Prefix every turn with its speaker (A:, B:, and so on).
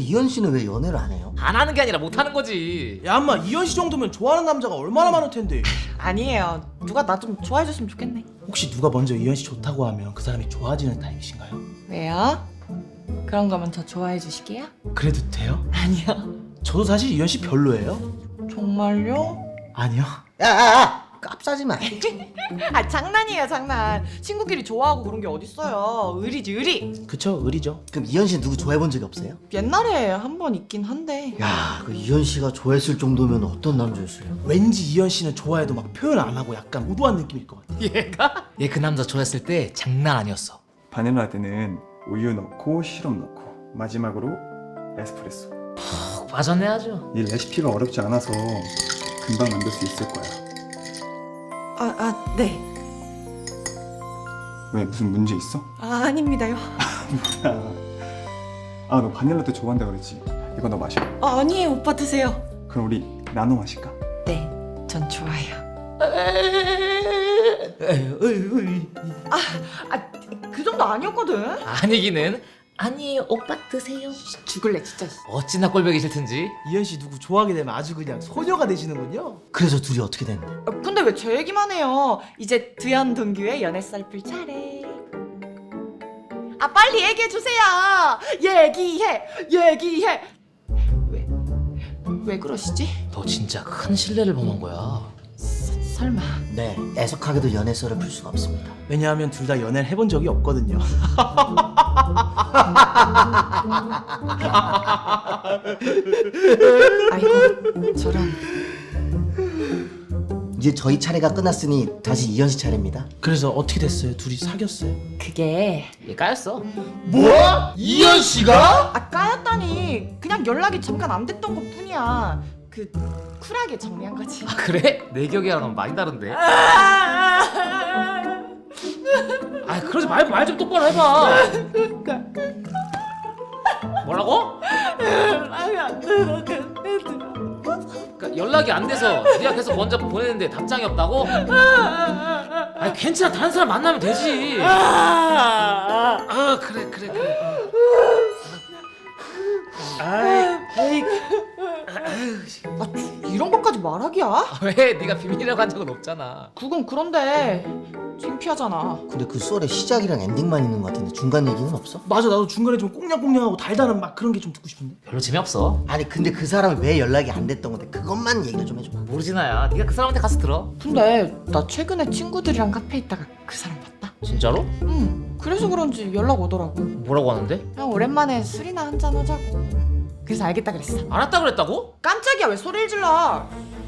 A: 이현 씨는 왜 연애를 안 해요?
B: 안 하는 게 아니라 못 하는 거지.
C: 야 인마 이현 씨 정도면 좋아하는 남자가 얼마나 많을 텐데.
D: 아니에요. 누가 나 좀 좋아해줬으면 좋겠네.
C: 혹시 누가 먼저 이현 씨 좋다고 하면 그 사람이 좋아지는 타입이신가요?
D: 왜요? 그런 거면 저 좋아해 주시게요?
C: 그래도 돼요?
D: 아니요.
C: 저도 사실 이현 씨 별로예요.
D: 정말요?
C: 아니요.
A: 야, 깝싸지 마.
D: 아 장난이에요 장난. 친구끼리 좋아하고 그런 게 어딨어요. 의리지 의리.
C: 그쵸, 의리죠.
A: 그럼 이현 씨 누구 좋아해본 적이 없어요?
D: 옛날에 한 번 있긴 한데.
A: 야, 그 이현 씨가 좋아했을 정도면 어떤 남자였어요?
C: 왠지 이현 씨는 좋아해도 막 표현 안 하고 약간 무도한 느낌일 것 같아.
B: 얘가? 얘 그 남자 좋아했을 때 장난 아니었어.
E: 바닐라 라떼는 우유 넣고 시럽 넣고 마지막으로 에스프레소.
B: 푹 빠졌네 아주.
E: 이 레시피가 어렵지 않아서 금방 만들 수 있을 거야.
D: 네.
E: 왜 무슨 문제 있어?
D: 아닙니다요.
E: 아, 너 바닐라 라떼 좋아한다 그랬지? 이거 너 마셔.
D: 아니에요 오빠 드세요.
E: 그럼 우리 나눠 마실까?
D: 네. 전 좋아요. 그 정도 아니었거든.
B: 아니기는. 아니에요 오빠 드세요.
D: 죽을래 진짜.
B: 어찌나 꼴보기 싫든지.
C: 이현 씨 누구 좋아하게 되면 아주 그냥 소녀가 되시는군요.
A: 그래서 둘이 어떻게 됐는데?
D: 근데 왜 제 얘기만 해요? 이제 두현 동규의 연애 썰풀 차례. 아 빨리 얘기해 주세요. 얘기해. 왜 그러시지?
B: 너 진짜 큰 신뢰를 범한 거야.
D: 설마.
A: 네, 애석하게도 연애 썰을 풀 수가 없습니다.
C: 왜냐하면 둘 다 연애를 해본 적이 없거든요.
D: 아이고 저런.
A: 이제 저희 차례가 끝났으니 다시 이현 씨 차례입니다.
C: 그래서 어떻게 됐어요? 둘이 사귀었어요?
D: 그게
B: 얘 까였어.
A: 뭐? 이현 씨가?
D: 까였다니 그냥 연락이 잠깐 안 됐던 것 뿐이야. 그 쿨하게 정리한 거지.
B: 아 그래? 내 기억이랑은 많이 다른데. 아 그러지 말고 말 좀 똑바로 해봐. 뭐라고?
D: 연락이 안 돼서
B: 그러니까 연락이 안 돼서 네가 계속 먼저 보내는데 답장이 없다고? 아니 괜찮아 다른 사람 만나면 되지. 아 그래.
C: 아이,
D: 이런 것까지 말하기야?
B: 아, 왜? 네가 비밀이라고 한 적은 없잖아.
D: 그건 그런데 창피하잖아.
A: 근데 그 썰의 시작이랑 엔딩만 있는 것 같은데 중간 얘기는 없어?
C: 맞아, 나도 중간에 좀 꽁냥꽁냥하고 달달한 막 그런 게 좀 듣고 싶은데.
B: 별로 재미없어.
A: 아니 근데 그 사람이 왜 연락이 안 됐던 건데 그것만 얘기를 좀 해줘.
B: 모르지 나야. 네가 그 사람한테 가서 들어.
D: 근데 나 최근에 친구들이랑 카페에 있다가 그 사람 봤다.
B: 진짜로?
D: 응. 그래서 그런지 연락 오더라고.
B: 뭐라고 하는데?
D: 그냥 오랜만에 술이나 한잔 하자고. 그래서 알겠다 그랬어.
B: 알았다 그랬다고?
D: 깜짝이야 왜 소리를 질러?